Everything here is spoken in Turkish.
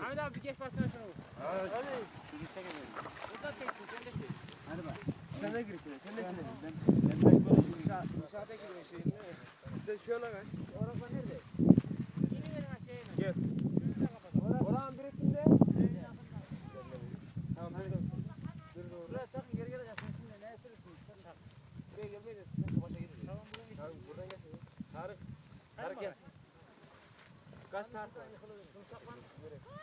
Ahmet abi bir geç başına şunu vur. Hadi. Çocuk çekemiyorum. Buradan çeksin sen de çek. Hadi bak. Sen de gir içine. Sen de içine. Ben böyle İnşaata giriyor şeyin değil mi? Sen şöyle kaç. Orası nerede? Yeni verin aşağıya. Gel. Şunu da kapatalım. Orhan birisinde. Tamam hadi. Dur doğru. Buraya çakın geri geleceksin. Şimdi ne sürürsün? Sen çak. Buraya gelmeyiz. Sen başa gidin. Tamam buradan git. Tamam buradan gel. Tarık. Tarık gel. Kaç Tarık var? Şunu çakman.